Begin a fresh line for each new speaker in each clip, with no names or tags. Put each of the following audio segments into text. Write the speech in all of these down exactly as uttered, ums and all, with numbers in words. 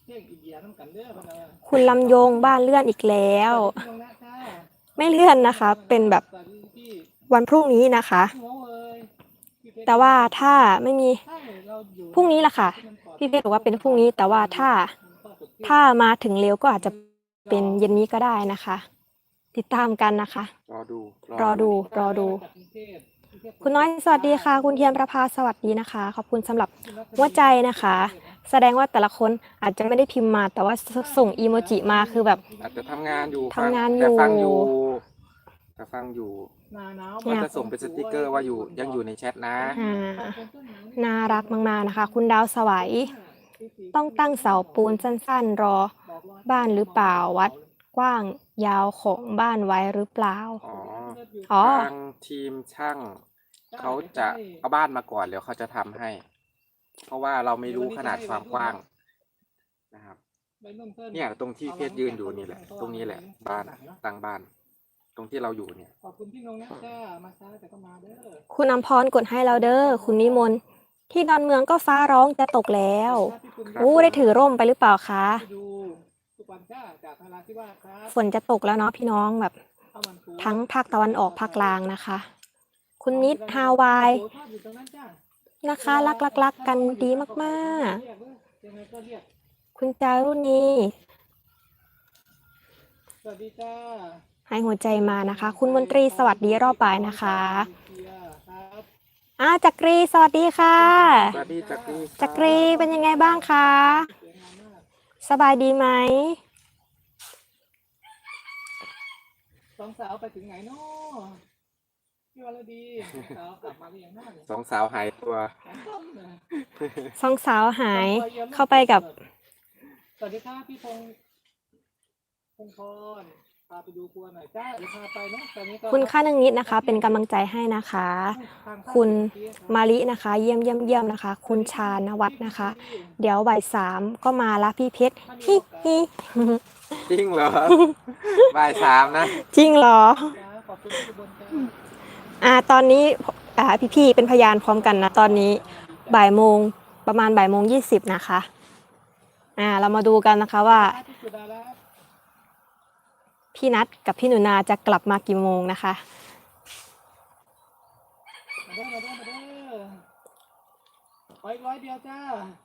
คุณลำยงบ้านเลื่อนอีกแล้วไม่เลื่อนนะคะเป็นแบบวันพรุ่งนี้นะคะแต่ว่าถ้าไม่มีพรุ่งนี้ล่ะค่ะพี่เพชรบอกว่าเป็นพรุ่งนี้แต่ว่าถ้าถ้ามาถึงเร็วก็อาจจะเป็นเย็นนี้ก็ได้นะคะติดตามกันนะคะ
รอดู
รอดูรอดูคุณน้อยสวัสดีค่ะคุณเทียมประภาสวัสดีนะคะขอบคุณสำหรับหัวใจนะคะแสดงว่าแต่ละคนอาจจะไม่ได้พิมพ์มาแต่ว่าส่งอีโมจิมาคือแบบ
อาจจะทำงานอยู่
ทำงานอยู่
แต่ฟังอยู่แต่ฟังอยู่ก็จะส่งเป็นสติกเกอร์ว่าอยู่ยังอยู่ในแชทนะ
น่ารักมากๆนะคะคุณดาวสวัยต้องตั้งเสาปูนสั้นๆรอบ้านหรือเปล่าวัดกว้างยาวของบ้านไว้หรือเปล่า
อ๋อทางทีมช่างเขาจะเอาบ้านมาก่อนแล้วเขาจะทำให้เพราะว่าเราไม่รู้ขนาดความกว้างนะครับเนี่ยตรงที่เพชรยืนอยู่นี่แหละตรงนี้แหละบ้านตั้งบ้านตรงที่เราอยู่เนี่ยขอบคุณพี่นงนะจ้ามาช้าแต่ก็มาเด้อ
คุณอำพรกดให้เราเด้อคุณนิมนต์ที่ดอนเมืองก็ฟ้าร้องจะตกแล้วอู้ได้ถือร่มไปหรือเปล่าคะฝนจะตกแล้วเนาะพี่น้องแบบทั้งภาคตะวันออกภาคกลางนะคะคุณนิดฮาวายนะคะรักรักรักกันดีมากๆคุณจารุณี
สวัสดีจ้า
ให้หัวใจมานะคะคุณมนตรีสวัสดีรอบบ่ายนะคะอ่าจักรีสวัสดีค่ะ
สวัสดีจักรี
จักรีเป็นยังไงบ้างคะสบายดีไหม
สองสาวไปถึงไหนเนาะพี่วรดีสาวกลับมาหรือยังน้สองสาวหายตัว
สองสาวหายเข้าไปกับ
สวัสดีค่ะพี่พงษ์พงษ์พรพาไปดูครัวหน่อยจ้าเดี๋ยวพาไปเนาะตอนนี้ก็
คุณค่านึงนิดนะคะเป็นกำลังใจให้นะคะคุณมาลินะคะเยี่ยมเยี่ยมเยี่ยมนะคะคุณชาณวัฒน์นะคะเดี๋ยวบ่ายสามก็มาละพี่เพชรฮิฮิ
จริงเหรอบ่ายสามนะ
จริงเหรออ่าตอนนี้อ่าพี่ๆเป็นพยานพร้อมกันนะตอนนี้บ่ายโมงประมาณบ่ายโมงยี่สิบนะคะอ่าเรามาดูกันนะคะว่าพี่นัทกับพี่หนูนาจะกลับมากี่โมงนะคะ
มาเด้อมาเด้อมาเด้อขออีกร้อยเดียวจ้า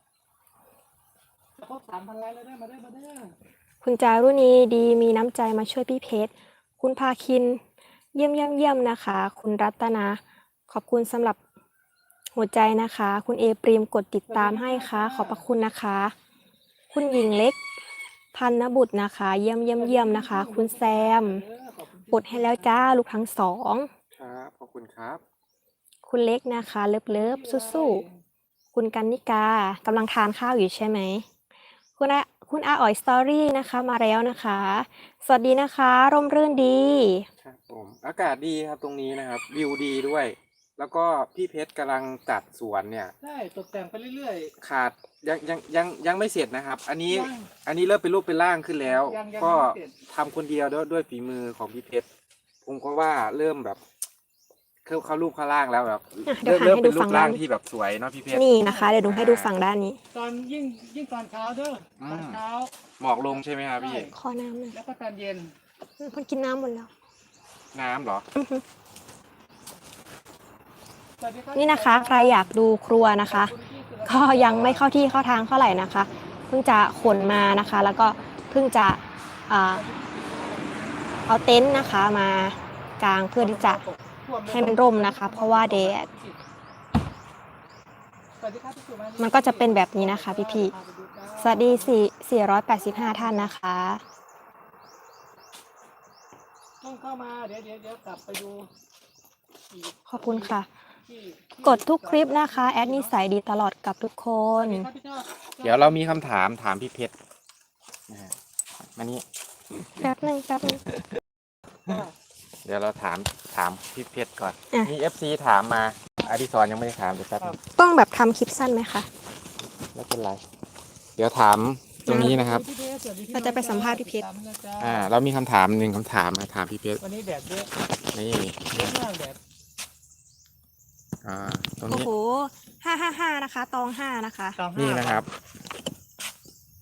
ครบสามพันไลค์แล้วเด้อมาเด้อมาเด้อ
คุณจารุณีดีมีน้ำใจมาช่วยพี่เพชรคุณภาคินเยี่ยมเยี่ยมเยี่ยมนะคะคุณรัตนาขอบคุณสำหรับหัวใจนะคะคุณเอปรีมกดติดตามให้ค่ะขอบพระคุณนะคะคุณหญิงเล็กพันนบุตรนะคะเยี่ยมเยี่ยมเยี่ยมนะคะคุณแซมกดให้แล้วจ้าลูกทั้งสอง
ครับขอบคุณครับ
คุณเล็กนะคะเลิฟเลิฟสู้ๆคุณกันนิกากำลังทานข้าวอยู่ใช่ไหมคุณอาคุณอาอ๋อยสตอรี่นะคะมาแล้วนะคะสวัสดีนะคะร่มรื่นดี
ครับผมอากาศดีครับตรงนี้นะครับวิวดีด้วยแล้วก็พี่เพชรกำลังจัดสวนเนี่ยใช่ตกแต่งไปเรื่อยๆขาดยังยังยังยังไม่เสร็จนะครับอันนี้อันนี้เริ่มเป็นรูปเป็นร่างขึ้นแล้วก็ทำคนเดียวด้วยด้วยฝีมือของพี่เพชรผมก็ว่าเริ่มแบบเข้าเข้ารูปเข้าร่างแล้วแบบเริ่มเริ่มเป็นรูปร่างที่แบบสวยเนาะพี่เพชร
นี่นะคะเดี๋ยวดูให้ดูฝั่งด้านนี้
ตอนยิ่งยิ่งตอนเช้าเด้อตอนเช้าหมอกลงใช่ไหมครับพี่
ขอน้ำหน่อย
แล้วก็ตอนเย็น
คนกินน้ำหมดแล้ว
น้ำเหรอ
นี่นะคะใครอยากดูครัวนะคะก็ยังไม่เข้าที่เข้าทางเท่าไหร่นะคะเพิ่งจะขนมานะคะแล้วก็เพิ่งจะเอาเต็นท์นะคะมากางเพื่อที่จะให้มันร่มนะคะเพราะว่าแดดมันก็จะเป็นแบบนี้นะคะพี่ๆสวัสดีสี่ร้อยแปดสิบห้าท่านนะคะ
ต้องเข้ามาเดี๋ยวเดี๋ยวเดี๋ยวกลับไปดู
ขอบคุณค่ะกดทุกคลิปนะคะแอดนิสัยดีตลอดกับทุกคน
เดี๋ยวเรามีคำถามถามพี่เพชรมานี่
แป๊บนึงแป๊บนึง
เดี๋ยวเราถามถามพี่เพชรก่อนมี เอฟ ซี ถามมาอดิศรยังไม่ได้ถามเดี๋ยวแป๊บ
ต้องแบบทำคลิปสั้นไหมคะ
ไม่เป็นไรเดี๋ยวถามตรงนี้นะครับ
เราจะไปสัมภาษณ์พี่เพชร
อ่าเรามีคำถามหนึ่งคำถามมาถามพี่เพชร
วันนี้แดดเยอะ
นี่
เยอะมากแดด
อ่าตรง
โอ้
นี้
โหห้าห้าห้านะคะตองห้านะคะ
นี่นะครับ